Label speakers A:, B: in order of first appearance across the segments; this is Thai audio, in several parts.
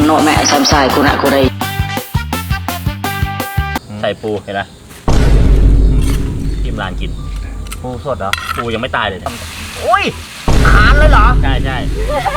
A: โนแม่แซมไซกูนะกูได้
B: ใส่ปูเห็นไหมทีมร้านกินปูสดเหรอปูยังไม่ตายเลยเนี่ยโอ้ยขานเลยเหรอใช่ใช่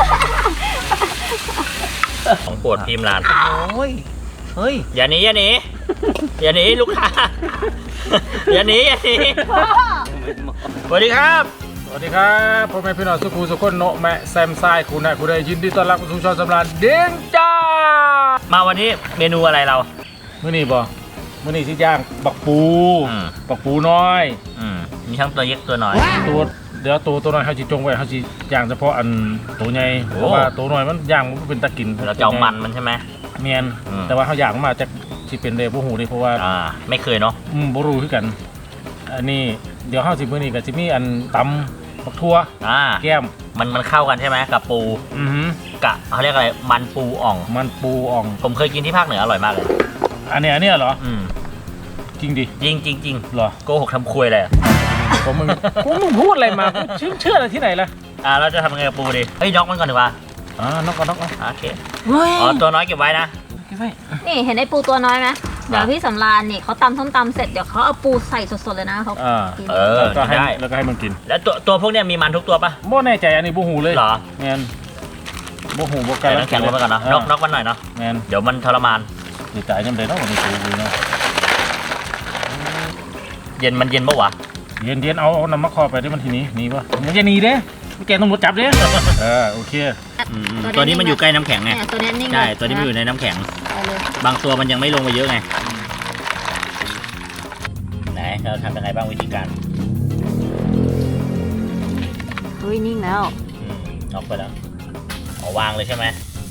B: ของโปรดทีมร้านโอ้ยเฮ้ยอย่าหนีอย่าหนีอย่าหนีลูกค้าอย่าหนีอย่าหนีสวัสดีครับ
C: สวัสดีครับพ่อแม่พี่น้องสุขุมสุขคนโนแม่แซมไซคุณนะคุณได้ยินดีต้อนรับสู่ช่องสำราญเด้งจ้า
B: มาวันนี้เมนูอะไรเรา
C: เมื่อนี้สิย่างบักปูน้อย
B: มีทั้งตัวเล็กตัวน้อย
C: เดี๋ยวตัวน้อยเขาจีจงไว้เขาจีย่างเฉพาะอันตัวใหญ่เพราะว่าตัวน้อยมันย่างมันเป็นตะกิน
B: เราจะเอามันใช่ไหม
C: เมียนแต่ว่าเขาย่างมาจากที่เป็นเดบูหูนี่เพราะว่า
B: ไม่เคยเนาะ
C: บูรูคือกันอันนี้เดี๋ยวเข้าสิเมื่อนี้กับจิมี่อันตำบักทั่วแก้ม
B: มันเข้ากันใช่ไหมกับปูกะเขาเรียกอะไรมันปูอ่องผมเคยกินที่ภาคเหนืออร่อยมากเลย
C: อันนี้เหรอจริงดิ
B: จริง
C: เหรอ
B: โกหกทำคุยเลย
C: มึงพูดอะไรมาเชื่ออะไรที่ไหนล่ะ
B: เราจะทำไงกับปูดีเฮ้ยน็อกมันก่อนดีกว่า
C: น็อกก่อน
B: โอเคตัวน้อยเก็บไว้นะ
D: นี่เห็นไอ้ปูตัวน้อยไหมเดี๋ยวพี่สำราญนี่เขาตำส้มตำเสร็จเดี๋ยวเขาเอาปูใส่สดๆเลยนะเขา
C: กินก็ให้แล้วก็ให้มันกิน
B: แล้วตัวพวกเนี้ยมีมันทุกตัวปะ
C: โม่แน่ใจอันนี้บูหูเลย
B: เหรอ
C: เงี้ยบูหูบูไก่
B: แล้วแข็งลงไปก่อนนะน็อกมันหน่อยเนาะเดี๋ยวมันทรมาน
C: ดีใจยังไงเนาะวันนี้ปูเนาะ
B: เย็นปะวะ
C: เย็นเอาน้ำมะขอไปได้มันทีนี้หนีปะมันจะหนีเด้แกต้องรถจับเด้โอเค
B: ตัวนี้มันอยู่ใกล้น้ำแข็งไงใช่ตัวนี้มันอยู่ในน้ำแข็งบางตัวมันยังไม่ลงมาเยอะไงไหนเราทำยังไงบ้างวิธีการ
D: เฮ้ยนิ่งแล้ว
B: น็อกไปแล้ววางเลยใช่ไหม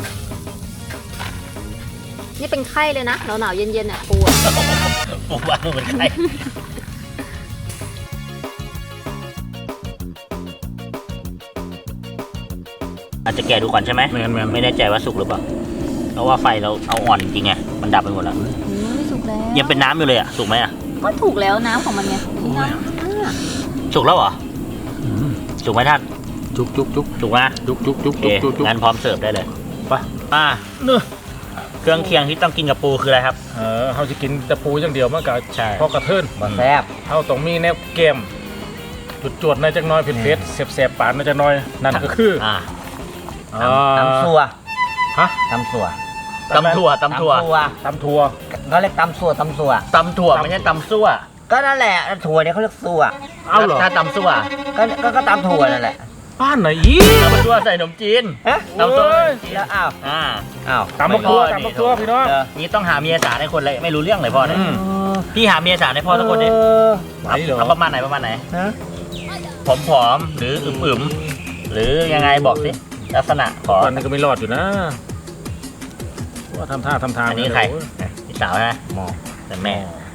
D: นี่เป็นไข้เลยนะหนาวเย็นๆเนี่ยปู
B: วางเป็นไข้อาจจะแกะดูก่อนใช่ไหมไม่แน่ใจว่าสุกหรือเปล่าเพราะว่าไฟเราเอาอ่อนจริงๆไงมันดับไปหมดแล้ว
D: ไม่สุกแล้ว
B: ยังเป็นน้ำอยู่เลยสุกไหม
D: ก็ถูกแล้วน้ำของมันไง
B: สุกแล้วเหรอสุกไหมท่าน
C: จุก
B: สุกไหมจุกงั้นพร้อมเสิร์ฟได้เลยไปเครื่องเคียงที่ต้องกินกับปูคืออะไรครับ
C: เขาจะกินแต่ปูอย่างเดียวมันก็พอกระเทิน
B: แซ่บ
C: เขาต้องมีแนวเกมจวดในจักน้อยเผ็ดแสบปานในจักน้อยนั่นก็คือ
B: ตำสัว
C: ตำถั่ว
B: เขาเรียกตำถั่วไม่ใช่ตำซั่ว
E: ก็นั่นแหละถั่วเนี่ยเขาเรียกซั่ว
B: ถ้าตำซั่ว
E: ก็ตำถั่วนั่นแหละ
C: บ้านไหนอี
B: ตำซั่วใส่ขนมจีน
E: ตำซั่วแล้ว
C: ตำบักทั่วพี่น้อง
B: นี่ต้องหาเมียสาวให้คนเลยไม่รู้เรื่องเลยพ่อเนี่ยพี่หาเมียสาวให้พ่อทุกคนดิเอาประมาณไหนผอมหรืออึมหรือยังไงบอกสิลักษณะขอ
C: ตอนนี้ก็ไม่รอดอยู่นะว่าทำท่า
B: อันนี้ใครพี่สาวนะ
C: มอง
B: แต่แม่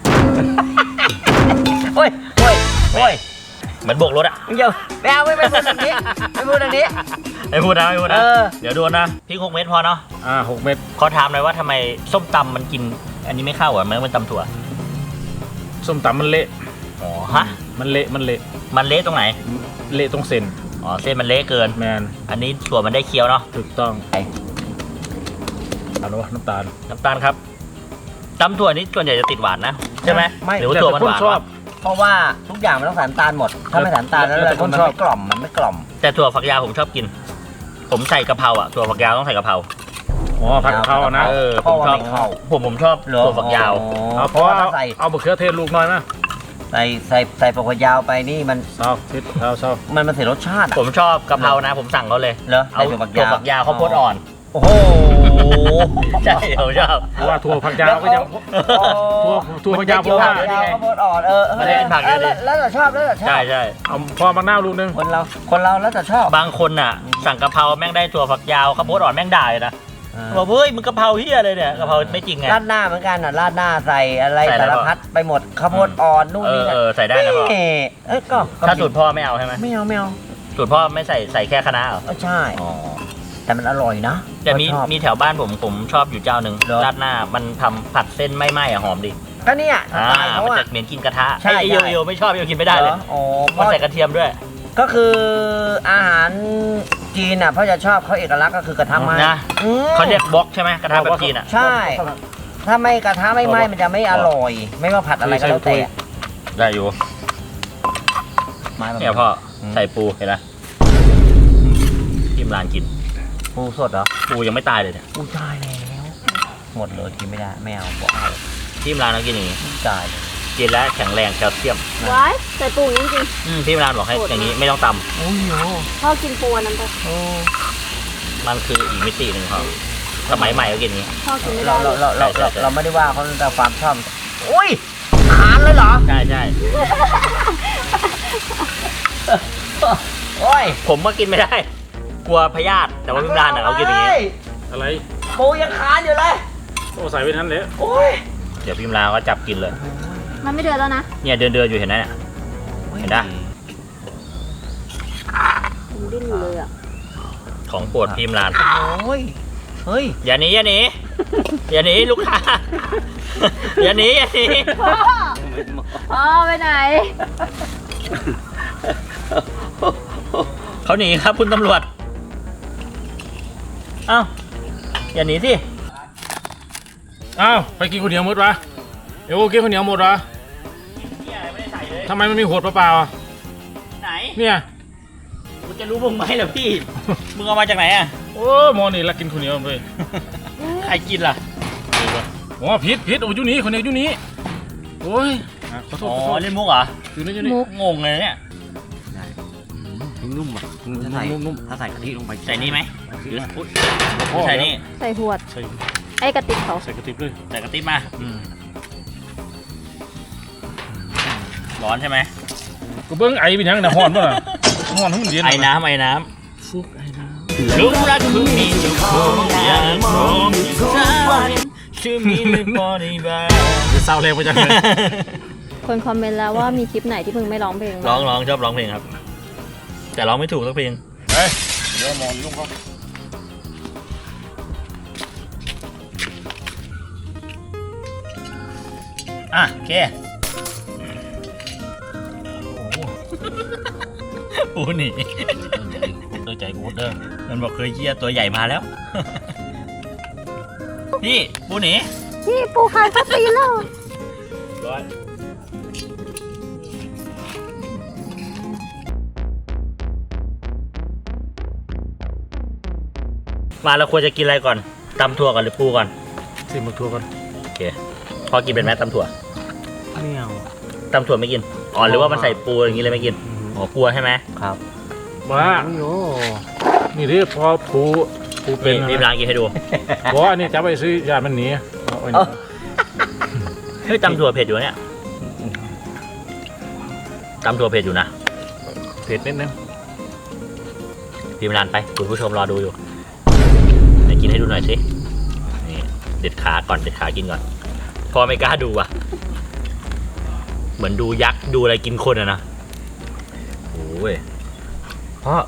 B: โอ้ยเหมือนโบกรถอะ
E: เดี๋ยวไม่พูดอย่างนี้ไม่พูดนะ
B: เดี๋ยวดูนะพี่6 เม็ดพอเนาะ
C: 6 เม็ด
B: ขอถามหน่อยว่าทำไมส้มตำมันกินอันนี้ไม่เข้าอ่ะมันตำถั่ว
C: ส้มตำมันเละมันเละ
B: ตรงไหน
C: เละตรงเส้น
B: เส้นมันเละเกิน
C: แมน
B: อันนี้ถั่วมันได้เคี้ยวเนาะ
C: ถูกต้องน้ำตาล
B: ครับตำถั่วนี้ส่วนใหญ่จะติดหวานนะใช่ไหมหรือว่าถั่วมันหวาน
E: เพราะว่าทุกอย่างมันต้องใส่น้ำตาลหมดถ้าไม่ใส่น้ำตาลแล้วมันไม่กล่อม
B: แต่ถั่วฝักยาวผมชอบกินผมใส่กะเพราถั่วฝักยาวต้องใส่กะเพรา
C: ผัดกะเพรานะ
B: ผมชอบถั่วฝักยาว
C: เพราะเอามะเขือเทศลูกน้อยนะ
E: ใส่ฝักยาวไปนี่มันมันเสียรสชาติ
B: ผมชอบกะเพรานะผมสั่งเขาเลยเอาถั่วฝักยาวข้าวโพดอ่อน
E: โอ้โห
B: ใช่ผมชอบ
C: ว่าถั่วผักยาวก็ยังถั่วผักยาวเพราะว่า
E: ข้าวโพดอ่อน
B: ไม่ได้กินผักเลย
E: แล้วแต่ชอบ
B: ใช่
C: เอาพอมะนาวลูกนึง
E: คนเราแล้วแต่ชอบบ
B: างคนน่ะสั่งกะเพราแม่งได้ถั่วฝักยาวข้าวโพดอ่อนแม่งด่าเลยนะบอกเฮ้ยมึงกะเพราเฮียเลยเนี่ยกะเพราไม่จริงไง
E: ราดหน้าเหมือนกันราดหน้าใส่อะไรสารพัดไปหมดข้าวโพดอ่อนนู่นนี่
B: ใส่ได้นะพ่อ
E: ก็
B: ถ้าสูตรพ่อไม่เอาใช่ไหม
E: ไม่เอา
B: สูตรพ่อไม่ใส่แค่คะน้าเหรอ
E: ใช่แต่มันอร่อยนะ
B: แต่มีแถวบ้านผมชอบอยู่เจ้าหนึ่งราดหน้ามันทำผัดเส้นไม่ไหม้หอมดิ
E: ก็เนี่ย
B: มันจะเหม็นกินกระทะไอ้โยไม่ชอบโยกินไม่ได้เลยมันใส่กระเทียมด้วย
E: ก็คืออาหารจีนอ่ะเขาจะชอบเขาเอกลักษณ์ก็คือกระทะไม้
B: นะ เขาเรียกบล็อกใช่ไหมกระทะแบบจีนอ่ะ
E: ใช่ ถ้าไม่กระทะไม่ไหม้มันจะไม่อร่อย ไม่ว่าผัดอะไรก็แล้วแต่
B: ได้อยู่
E: ไม้แบบ
B: เนี่ยพ่อใส่ปูเห็นไหมที่ร้านกิน
E: ปูสดเหรอ
B: ปูยังไม่ตายเลยเนี่ย
E: ปูตายแล้วหมดเลยกินไม่ได้ไม่เอาบอกเอา
B: ที่ร้านเรากินอย่างนี้
E: ตายเลย
B: กินแล้วแข็งแรงแคลเซียม
D: ว้ายใส่ปูจริง
B: ที่ร้านบอกให้อย่างนี้ไม่ต้องต
E: โอ้ยโ
D: ๆพ่อกินปูอันนั้นไป
E: อ้
B: ำมันคืออีกมิติหนึ่งของสมัยใหม่ก็กินอย่างนี้
D: พ่อกินไม่
E: เรา
D: ได้
E: เราไม่ได้ว่าเขาแต่ความชอบอุ้ยขานเลยเหรอ
B: ใช่ใช่
E: โอ้ย
B: ผมก็กินไม่ได้ กลัวพยาธิแต่ว่าที่ร้านน่ะเขากินอย่างนี้
C: อะไร
E: ปูยังขานอยู่เลย
C: โอ้ใส่ไว้ทันเลย
E: โอ้ย
B: เดี๋ยวพิมพ์ลาวก็จับกินเลย
D: มันไม่เดือดแล้วนะ
B: เนี่ยเดินอยู่เห็นไหมเนี่ย เห็นปะ
D: มันดิ้นอยู่เลยอ่ะ
B: ของโปรดพิมพ์ลาน
E: โอ้ยเฮ้ย
B: อย่าหนีอย่าหนีอย่าหนีลูกค้า อย่าหนีอย่าหนี
D: พ่อไปไหน
B: เขาหนีครับคุณตำรวจ เอ้าอย่าหนีสิ
C: อ้าวไปกินข้าวเหนียวหมดวะเอ้กินข้าวเหนียวหมดวะ
B: เนี่ยไม่ได้ใส่เลย
C: ทำไมมันมีหัวเปล่าๆอ่ะ
B: ไหน
C: เนี่ย
B: กูจะรู้มึงไหมเหรอพี่ มึงเอามาจากไหนอ่ะ
C: โอ้หมอนี่ละกินข้าวเหนียวเลย
B: ใครกินล่ะ
C: อ๋อผิดโอ้ยอยู่นี่ข้าวเหนียวอยู่นี่โอ้ยอ่ะขอโทษ
B: อ๋อ
C: ขอโทษ
B: เล่นมุกเหรอ
C: อยู่นี่อยู่นี่
D: มุก
B: งงเลยเนี่ย
E: นุ่มอ่ะถ้าใส่ถ้าใส่กะทิลงไป
B: ใส่นี่ไหมหรืออุ๊ย
C: พ่อ
B: ใส่นี่
D: ใส่หวด
C: ใส่
D: ไอ้กระติกเขา
C: ใส่กระติบเลย
B: ใส่กระติบมาร้อนใช่ไหม
C: ก็เบิ้งไอเป็นยังนะฮ้อนป่ะฮ้อนให้มันเย็น
B: ไอ้น้ำไอ้น้
C: ฟุกไอ้น้
B: ำลูกรักคุณมีเจ้าของอย่างพร้อมที่จะชื่อมีในบริบาล
C: ำจะเศร้าแรงไปจังเลย
D: คนคอมเมนต์แล้วว่ามีคลิปไหนที่มึงไม่ร้องเพลง
B: ร้องชอบร้องเพลงครับ แต่ร้องไม่ถูกสักเพลง
C: เฮ้ยเดี๋ยวมองยุ่งเขา
B: อ่ะโอเคปูหนีโดยใจกูเด้อมันบอกเคยเยี่ยตัวใหญ่มาแล้ว พี่ปูหนี
D: พี่ปูขายพัสซีแล้ว
B: ร้อยมาเราควรจะกินอะไรก่อนตำถั่วก่อนหรือปูก่อน
C: สิมาทัวร์กัน
B: โอเคพอกินเป็นไหมตำถั่ว
E: ไม่เอา
B: ตำถั่วไม่กินอ๋อหรือว่ามันใส่ปูอย่างนี้เลยไม่กินอ๋อกลัวใช่ไหม
E: ครับ
C: มา
E: โอ้โห
C: นี่ที่พอปูเป็น
B: รีบล้างกินให้ดู
C: บอกว่าอันนี้จะไปซื้อยามันหนีเอาไว้
B: เฮ้ยตำถั่วเผ็ดอยู่เนี่ยตำถั่วเผ็ดอยู่นะ
C: เผ็ดนิดนึง
B: พิมพ์นานไปคุณผู้ชมรอดูอยู่ไหนกินให้ดูหน่อยสินี่เด็ดขาก่อนเด็ดขากินก่อนพอไม่กล้าดูอ่ะ เหมือนดูยักษ์ดูอะไรกินคนอะนะโอ้ย
E: เพราะ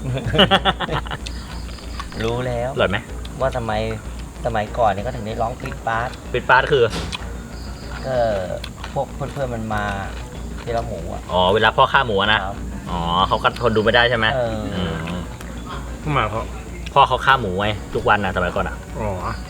E: รู้แล้ว
B: อร่อยไหม
E: ว่าทำไมสมัยก่อนเนี่ยก็ถึงได้ร้องปิดปาร์ต
B: เป็นปาร์ตคือ
E: ก็พวกเพื่อนๆมันมาที่เราหมูอ่ะ
B: อ๋อเวลาพ่อฆ่าหมูอะนะ
E: ครับ
B: อ๋อเขาก็ทนดูไม่ได้ใช่ไหม ม
C: มาเพราะ
B: พ่อเขาฆ่าหมูไว้ทุกวันนะสมัยก่อนอ่ะ
C: อ๋อ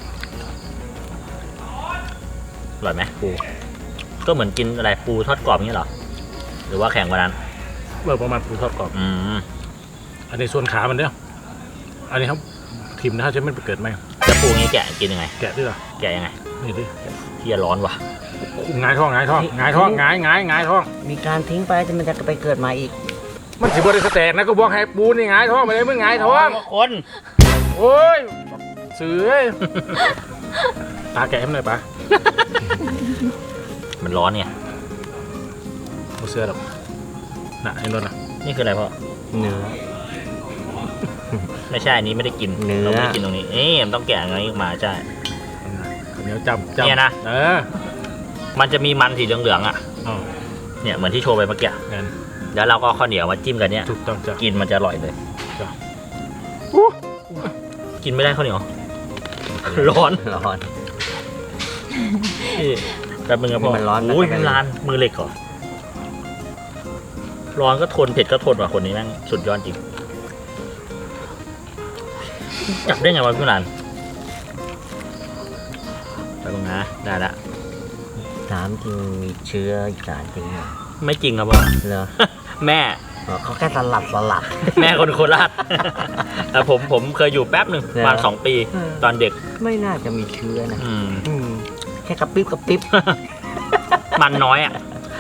B: อร่อยไหมปูก็เหมือนกินอะไรปูทอดกรอบอย่างนี้เหรอหรือว่าแข็งกว่านั้น
C: เมื่อประมาณปูทอดกรอบ
B: อืม
C: อันนี้ส่วนขามันเนี่ยอันนี้ครับทิมนะจะไม่ไปเกิดไหม
B: แล้วปูงี้แกะกินยังไง
C: แกะด้วยเหรอ
B: แกะยังไง
C: นี่ดิ
B: ที่ร้อนว่ะ
C: หงายท้องหงายท้องหงายท้องหงายท้อง
E: มีการทิ้งไปจะมันจะไปเกิดใหม่อีก
C: มันสิบริสแตกนะก็บอกให้ปูนี่หงายท้องไปเลยมึงหงายท้อง
B: คน
C: โอ้ยเสือตาแกะให้มันหน่อยปะ
B: มันร้อนไง
C: โอ้เสือหรอกน่ะเห็นรถนะ
B: นี่คืออะไรพ่อ
E: เนื้อ
B: ไม่ใช่อันนี้ไม่ได้กิน
E: เนื้อ
B: เราไม่ได้กินตรงนี้มันต้องแกะอย่างนี้ออกมาใช่
C: เดี๋ยวจำ
B: เนี่ยนะ มันจะมีมันสีเหลืองๆอ่ะ
C: อ๋อ
B: เนี่ยเหมือนที่โชว์ไปเมื่อกี้
C: งั้น
B: แล้วเราก็เอาข้าวเหนียวมาจิ้มกันเนี่ย
C: ถูกต้องจ้ะ
B: กินมันจะอร่อยเลย
C: จ้ะ
B: กินไม่ได้ข้าวเหนียว ร้อน
E: ร้อน
B: แต่มึงอะพ่อ
E: มันร้อนนะ
B: อุ้ยมันร้านมือเหล็กเหรอร้อนก็ทนเผ็ดก็ทนว่ะคนนี้แม่งสุดยอดจริงจับได้ไงวะพี่หลานไปตรงนะได้ละ
E: ถามจริงมีเชื้ออีสานจริงเหรอ
B: ไม่จริงครับพ่อ
E: เหรอ
B: แม่
E: เขาแค่สลับ
B: แม่คนโคราชแต่ผมเคยอยู่แป๊บหนึ่งประมาณ2 ปีตอนเด็ก
E: ไม่น่าจะมีเชื้อนะ
B: อืม
E: แค่กระปิ๊บ
B: มันน้อยอ่ะ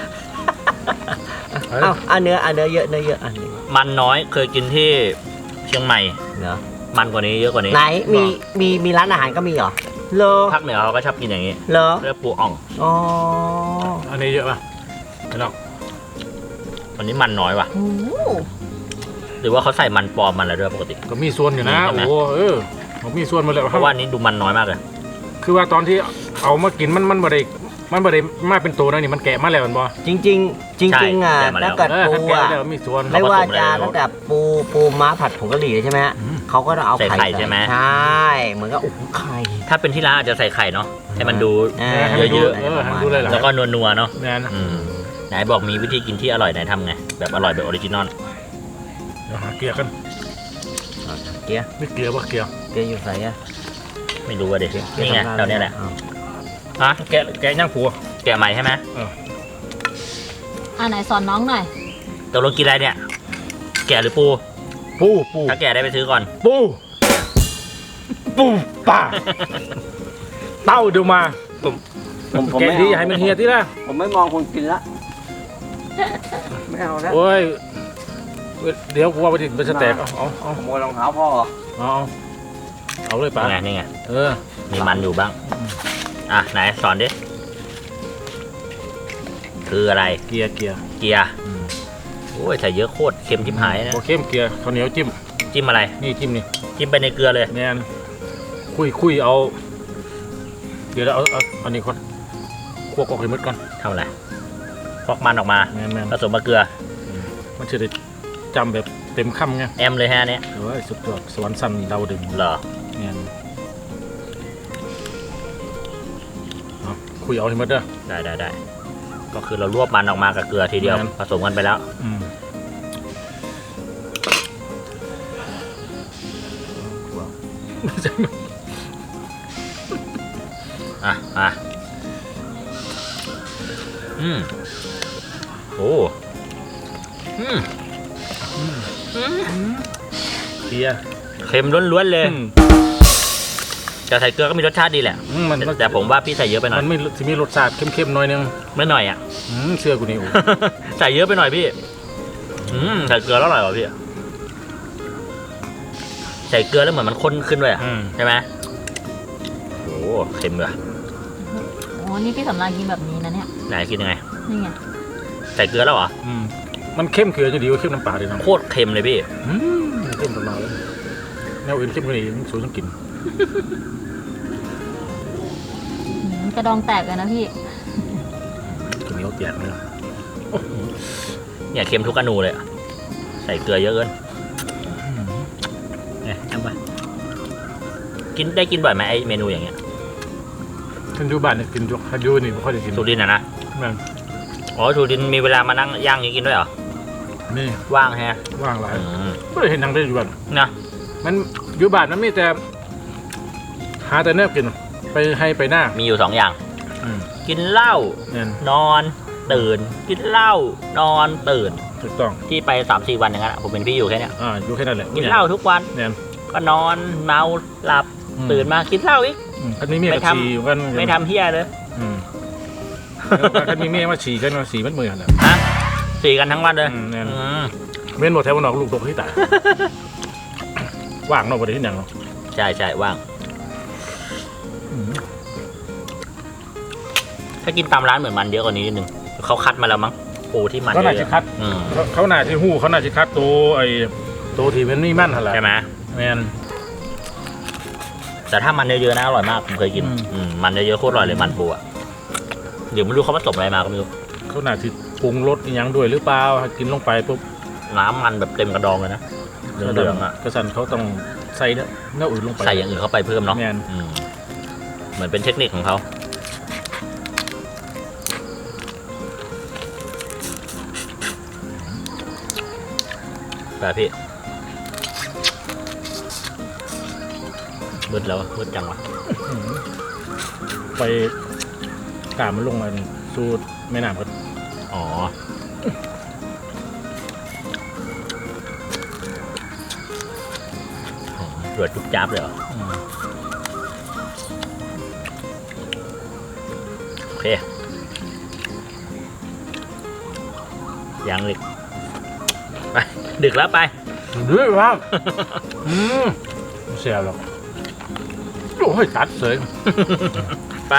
E: เอ้าเนื้อเยอะอันนี้
B: มันน้อยเคยกินที่เชียงใหม่
E: เหรอ
B: มันกว่านี้เยอะกว่านี้
E: ไหนมีร้านอาหารก็มีเหรอเหรอ
B: ภาคเหนือเขาก็ชอบกินอย่างนี้
E: เหรอ
B: เรียกปูอ่อง
E: อ๋อ
C: อันนี้เยอะป่ะไม่หรอก
B: วันนี้มันน้อยว่ะ
D: โอ้โห
B: หรือว่าเขาใส่มันปลอมมันอะไรด้วยปกติ
C: ก็มีส่วนอยู่นะ
B: ใช่ไหม
C: โอ้ผมมีส่วนมาเลย
B: เพราะว่านี้ดูมันน้อยมากเลย
C: คือว่าตอนที่เอามากินมันบ่ได้มาเป็นตัวนะนี่มันแกะมาแล้วมันบ่
E: จริงอ่ะถ้าเกิดปู
C: แกะ
E: อ่ะ
C: แล้วมีส่วน
E: ไม่ว่าจะตั้งแต่ปูม้าผัดผงกะหรี่ใช่ไหมฮะ
C: อืม
E: เขาก็ต้องเอา
B: ใส่ไข่ใช่ไหม
E: ใช่เหมือนกับไข่
B: ถ้าเป็นที่ร้านอาจจะใส่ไข่เนาะให้มันดู
C: ให้มันดู
B: เยอะ
C: ให้มันดูเลยเหรอ
B: แล้วก็นัวๆเนาะ
C: แน่น
B: อืมไหนบอกมีวิธีกินที่อร่อยไหนทำไงแบบอร่อยแบบออริจินอล
C: เดี๋ยวหาเกลือกัน
E: เกี๊ย
C: ไม่เกลือป่ะเกลือ
E: เกี๊ยอยู่ใส่อะ
B: ไม่รู้ว่าเด็กนี่ไงแถวเนี้ยแหละ
E: อ้าว
B: ฮะ
C: แกะย่างผัว
B: แกะใหม่ใช่ไหม
D: ไหนสอนน้องหน่อย
B: ตกลงกินอะไรเนี่ย แกะหรือปู
C: ปู
B: ถ้าแกะได้ไปซื้อก่อน
C: ปูป่าเต้าเดี๋ยวมา
E: ผม
C: แกะ
E: ไม่
C: ที่
E: เอา
C: ให้มันเฮียที่ละ
E: ผมไม่มองคนกินละไม่เอาแล้ว
C: โอ้ยเดี๋ยวกูว่าไปดิมันจะแตกเอา
E: ขโมยรองเท้าพ่อเหรอ
C: เอาเลยป่ะ
B: นี่ไง
C: เออ
B: มีมันอยู่บ้าง อ่ะไหนสอนดิ คืออะไร
C: เกียร์
B: เกียร์โอ้ยใส่เยอะโคตรเค็มชิบหายนะ
C: โอเคเกียร์ข้าวเหนียวจิ้ม
B: จิ้มอะไร
C: นี่จิ้มนี่
B: จิ้มไปในเกลือเลย
C: แน่นคุยเอาเดี๋ยวเอาอันนี้ก่อนคั่วกอกให้หมดก่อน
B: ทำอะไรฟอกมันออกมา
C: แม่น
B: ผสมกับเกลือ
C: มันจะได้จำแบบเต็มคำไง
B: แอมเลยฮะอันเนี้ย
C: หรือว่าสุดยอดสวรรค์สั่นดาวดึง
B: เหรอ
C: เนี่ยคุยเอาให้หมดเด้อ
B: ได้ก็คือเรารวบมันออกมากับเกลือทีเดียว
C: งั้น
B: ผสมกันไปแล้ว อ่ะโอ้
C: เกียร์
B: เค็มล้วนๆเลยแต่ใส่เกลือก็มีรสชาติดีแหละ
C: มัน
B: แต่ผมว่าพี่ใส่เยอะไปหน่อย
C: มันไม่จะมีรสชาติเข้มๆหน่อยนึง
B: ไม่หน่อยอ่ะ
C: เชื่อกูนี่โอ้
B: ใส่เยอะไปหน่อยพี่ใส่เกลือแล้วอร่อยกว่าพี่ใส่เกลือแล้วเหมือนมันข้นขึ้นด้วยอ่ะใช่ไหมโอ้เค็มเลย
D: โอ้นี่พี่สำรานกินแบบนี้นะเนี่ย
B: ไหนกินยังไง
D: นี่ไง
B: ใส่เกลือแล้วเหรอ
C: มันเข้มเกลือจะดีกว่าเข้มน้ำปลาเลยนะ
B: โคตรเค็มเลยพี่
C: เข้มตลอดเลยแนวอื่นเข้มกว่านี้มันสูงต้องกิน
D: กระดองแตกเลยนะพี่
C: ข้าวเหนียวแตกเลย
B: เนี่ยเค็มทุกอนูเลยอะใส่เกลือเยอะเกินเนี่ยเอาไปกินบ่อยไหมไอเมนูอย่างเงี้ย
C: ขึ้นอยู่บ้านเนี่ยกินอยู่ฮันยูนี่ไม่ค่อยได้กิน
B: สุรินทร์นะ
C: แม่น
B: อ๋อสุรินทร์มีเวลามานั่งย่างอย่างนี้กินด้วยเหรอ
C: นี่
B: ว่างแฮะ
C: ว่างหลาย
B: อืม
C: ไม่ได้เห็นทางได้อยู่บ้าน
B: นะ
C: มันอยู่บ้านมันมีแต่หาแต่เนื้อกินไปให้ไปหน้า
B: มีอยู่2 อย่าง
C: อืม
B: กินเหล้า
C: เนี่ย
B: นอนตื่น กินเหล้านอนตื่น
C: ถูกต้อง
B: ที่ไป 3-4 วันอย่างนั้นอะผมเป็นพี่อยู่แค่เนี้ย
C: อยู่แค่นั้นแหละ
B: กินเหล้าทุกวัน
C: เนี่ย
B: ก็นอนเมาหลับตื่นมากินเหล้าอีก
C: คันนี้เมียกับฉี่กัน
B: ไม่ทำเฮียเลย
C: คันมีเมียมาฉี่กันมาฉี่มันเหมือนแหละ
B: ฮะ4กันทั้งวันเลย
C: เนี่ย
B: อืม
C: เว้นหมดแถววันออกลูกตกที่ตายว่างนอกประเทศที่ไหนเนาะ
B: ใช่ว่าง ถ้ากินตามร้านเหมือนมันเยอะกว่านี้นิดนึงเขาคัดมาแล้วมั้งปูที่มัน
C: เขาหนา
B: เย
C: ชิ
B: อะ
C: คัด
B: ๆอืม
C: เขาหนาที่หู้เขาหนาชิคัดตัวที่มันไม่มั่นหั่นแหละ
B: ใช่ไหม
C: แมน
B: แต่ถ้ามันเยอะๆนะอร่อยมากผมเคยกิน มันเยอะๆโคตรอร่อยเลยมันปูอ่ะเดี๋ยวไม่รู้เขาผสมอะไรมาก็ไม่รู้
C: เขาหนาที่ปรุงรสอีหยังด้วยหรือเปล่ากินลงไปปุ๊บ
B: น้ำมันแบบเต็มกระดองเลยนะเหลืองๆอ่ะ
C: กระสันเขาต้องใส่เนื้ออื่นลงไป
B: ใส่อย่างอื่นเข้าไปเพิ่มเนาะ
C: แม่น
B: อืมเหมือนเป็นเทคนิคของเขาแบบพี่มืดแล้วมืดจังวะ
C: ไปกามันลงมาสู่แม่น้ำก็
B: อ๋อรวดจุ๊บจับเลยเหรอโอเคยังดึกไปดึกแล้วไป
C: ด้วยครับเสียหรอกโอ้ยตัดเสย
B: ไป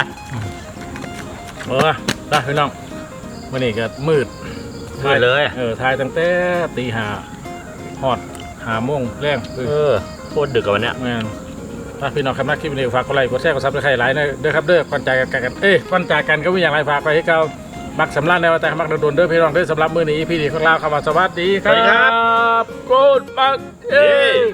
C: ได้พี่น้องวันนี้ก็มืด
B: มืดเลย
C: ทายตั้งแต่ตีห้าฮอด5 โมงแรง
B: โคตรดึกกับวันเนี้ย
C: แม่นถ้าพี่น้องคำนักคลิปนี้ฝากกดไลค์กดแชร์กดซับสไครต์หลายนะเด้อครับเด้อก่อนจากกันก่อนจากกันก็มีอย่างไรฝากไปให้เก่ามักสำลักในวันแต่มักโดนเด้อพี่น้องเด้อสำหรับมื้อนี้พี่ดีของเราคำว่าสวัสดีครับกูดบัก